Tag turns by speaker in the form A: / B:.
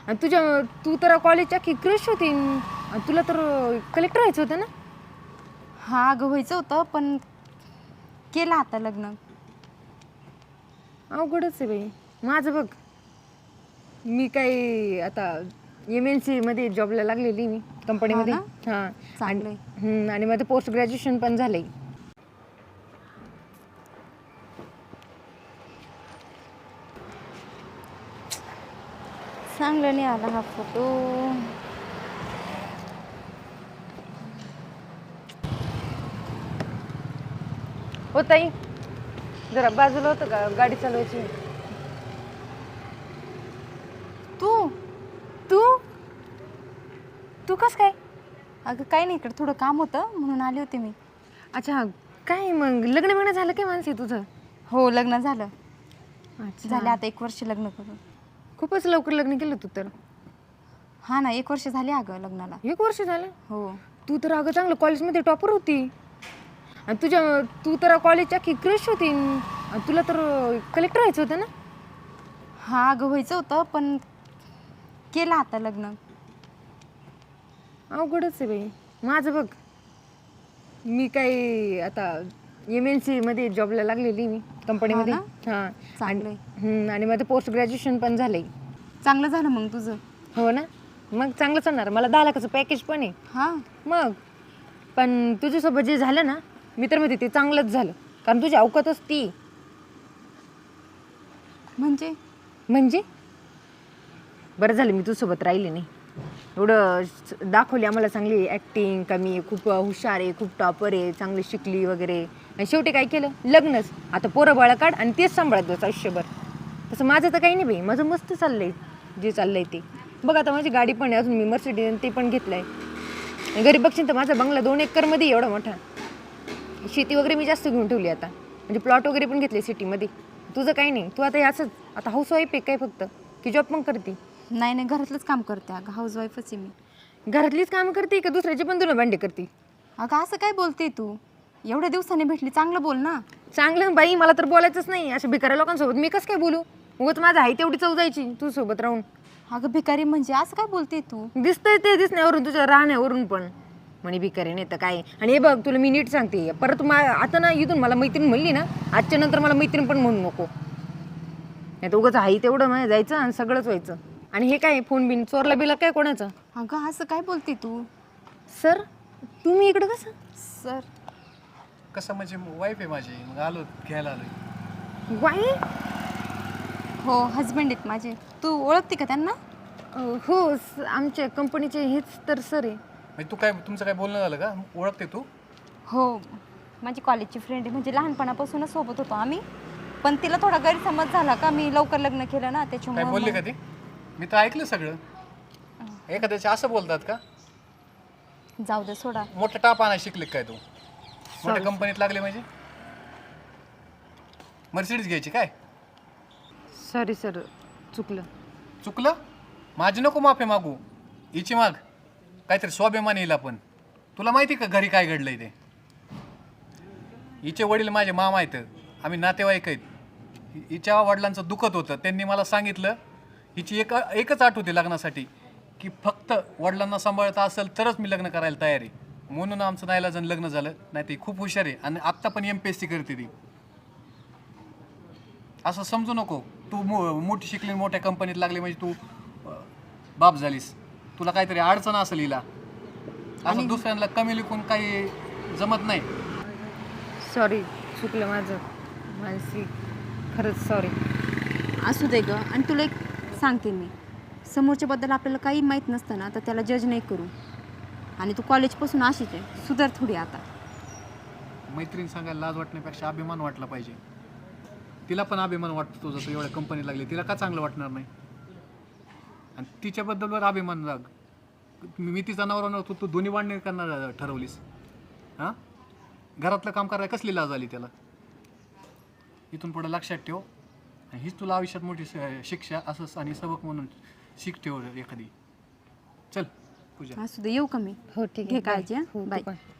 A: आणि तू तर कॉलेजच्या की क्रश होती आणि तुला तर कलेक्टर व्हायचं होतं ना.
B: हा अगं व्हायचं होतं पण केलं आता लग्न.
A: अवघडच आहे बाई माझं बघ. मी काही आता MNC मध्ये जॉबला लागलेली मी कंपनीमध्ये.
B: ना?
A: हां.
B: चांगलंय.
A: आणि माझं पोस्ट ग्रॅज्युएशन पण झालंय.
B: चांगलं नाही आला हा फोटो.
A: हो ताई, जरा बाजूला होतं का, गाडी चालवायची.
B: तू
A: तू तू कस काय.
B: अगं काही नाही, इकडे थोडं काम होतं म्हणून आले होते मी.
A: अच्छा, काय मग लग्न झालं काय मानसी तुझं.
B: हो लग्न झालं.
A: अच्छा,
B: झाले आता 1 वर्ष लग्न करून.
A: खूपच लवकर लग्न केलं तू तर.
B: हा ना, 1 वर्ष झाले अगं लग्नाला.
A: 1 वर्ष झालं.
B: हो.
A: तू तर अगं चांगलं कॉलेजमध्ये टॉपर होती आणि तू तर कॉलेजच्या की क्रश होती आणि तुला तर कलेक्टर व्हायचं होतं ना.
B: हा अगं व्हायचं होतं पण केलं आता लग्न.
A: अवघडच आहे बाई माझं बघ. मी काही आता MNC मध्ये जॉबला लागलेली मी कंपनीमध्ये.
B: हा
A: हां.
B: चांगलंय.
A: आणि माझं पोस्ट ग्रॅज्युएशन पण झालंय.
B: चांगलं झालं मग तुझं.
A: हो ना, मग चांगलं चालणार. मला 10 लाखाचं पॅकेज पण आहे.
B: हा
A: मग पण तुझ्यासोबत जे झालं ना, मी तर म्हणते ते चांगलंच झालं, कारण तुझी अवकातच ती. म्हणजे बरं झालं मी तुझ्यासोबत राहिले नाही. एवढं दाखवली आम्हाला चांगली ॲक्टिंग, का मी खूप हुशार आहे, खूप टॉपर आहे, चांगली शिकली वगैरे. आणि शेवटी काय केलं, लग्नच. आता पोरं बाळं काढ आणि तेच सांभाळत बस आयुष्यभर. तसं माझं तर काही नाही बाई, माझं मस्त चाललंय जे चाललंय ते. बघ आता माझी गाडी पण आहे, अजून मी मर्सिडीज ते पण घेतलं आहे. घरी बघशील तर माझा बंगला 2 एकरमध्ये एवढा मोठा. शेती वगैरे मी जास्त घेऊन ठेवली आता, म्हणजे प्लॉट वगैरे पण घेतले सिटीमध्ये. तुझं काही नाही, तू आता याचंच आता हाऊसवाईफ आहे काय फक्त, की जॉब पण करते.
B: नाही नाही, घरातलंच काम करते अगं, हाऊसवाईफच आहे मी.
A: घरातलीच कामं करते का दुसऱ्याचे पण तुला भांडे करते.
B: अगं असं काय बोलते तू, एवढ्या दिवसांनी भेटली, चांगलं बोल ना.
A: चांगलं बाई, मला तर बोलायचंच नाही. अशा भिकाऱ्या लोकांसोबत मी कसं काय बोलू. उगाच माझं आहे तेवढी चव जायची तुझ्यासोबत राहून.
B: अगं भिकारी म्हणजे असं काय बोलते तू.
A: दिसतंय ते दिसण्यावरून, तुझ्या राहण्यावरून पण म्हणे भिकारी नाही तर काय. आणि हे बघ तुला मी नीट सांगते, परत आता ना इथून मला मैत्रीण म्हणली ना, आजच्या नंतर मला मैत्रीण पण म्हणू नको. नाही तर उगाच आहे तेवढं माझं जायचं आणि सगळंच व्हायचं. आणि हे काय फोन बिन चोरला बिला काय कोणाचं.
B: अगं असं काय बोलते तू.
A: सर तुम्ही इकडं कसं.
B: सर
C: कसं म्हणजे वाईफ आहे माझी, मग आलो घ्यायला आलोय.
A: वाई.
B: हो हजबंड आहेत माझे. तू ओळखते का त्यांना.
A: हो आमच्या कंपनीचे हेच तर सर आहे.
C: म्हणजे तू काय, तुमचं काय बोलणं झालं का, ओळखते तू.
B: हो माझी कॉलेजची फ्रेंड आहे, म्हणजे लहानपणापासूनच सोबत होतो आम्ही. पण तिला थोडा गैरसमज झाला का मी लवकर लग्न केलं ना,
C: काय
B: त्याच्यामुळे.
C: बोलले का ते. मी तर ऐकलं सगळं. एखाद्याचे असं बोलतात का.
B: जाऊ दे सोडा.
C: मोठं टाप आणायला शिकले काय तू. मोठ्या कंपनीत लागले म्हणजे मर्सिडीज घ्यायची काय.
A: सॉरी सर, चुकलं.
C: चुकलं. माझी नको माफी मागू, हिची माग. काहीतरी स्वाभिमान येईल आपण. तुला माहिती का घरी काय घडलंय ते. हिचे वडील माझे मामा आहेत, आम्ही नातेवाईक आहेत. हिच्या वडिलांचं दुखत होतं, त्यांनी मला सांगितलं हिची एकच अट होती लग्नासाठी, की फक्त वडिलांना सांभाळता असेल तरच मी लग्न करायला तयार आहे. म्हणून आमचं नाईलाजानं लग्न झालं. नाही ती खूप हुशार आहे आणि आत्ता पण MPSC करते ती. असं समजू नको तू मोठी शिकली, मोठ्या कंपनीत लागली म्हणजे तू बाप झालीस. तुला काहीतरी अडचण असेल हिला. असं दुसऱ्यांना कमी लिखून काही जमत नाही.
A: सॉरी, चुकलं माझं मानसी, खरंच सॉरी.
B: असू दे गं. आणि तुला एक सांगते मी, समोरच्याबद्दल आपल्याला काही माहीत नसतं ना, तर त्याला जज नाही करू. आणि तू कॉलेजपासून अशीच आहे, सुधार थोडी आता.
C: मैत्रीण सांगायला लाज वाटण्यापेक्षा अभिमान वाटला पाहिजे. तिला पण अभिमान वाटतो तुझं, तू एवढ्या कंपनी लागली, तिला का चांगलं वाटणार नाही. आणि तिच्याबद्दलवर अभिमान राग. मी तिचा नवरा नव्हतो, तू दोन्ही वाढणे करणार ठरवलीस. हां, घरातलं काम करायला कसली लाज आली त्याला. इथून पुढे लक्षात ठेव, आणि हीच तुला आयुष्यात मोठी शिक्षा असं आणि सबक म्हणून शिक ठेव एखादी. चल पूजा.
B: असू दे, येऊ का मी.
A: हो ठीक
B: घे
A: आहे.
B: काळजी.
A: हो, तू
B: बाय.
A: पण.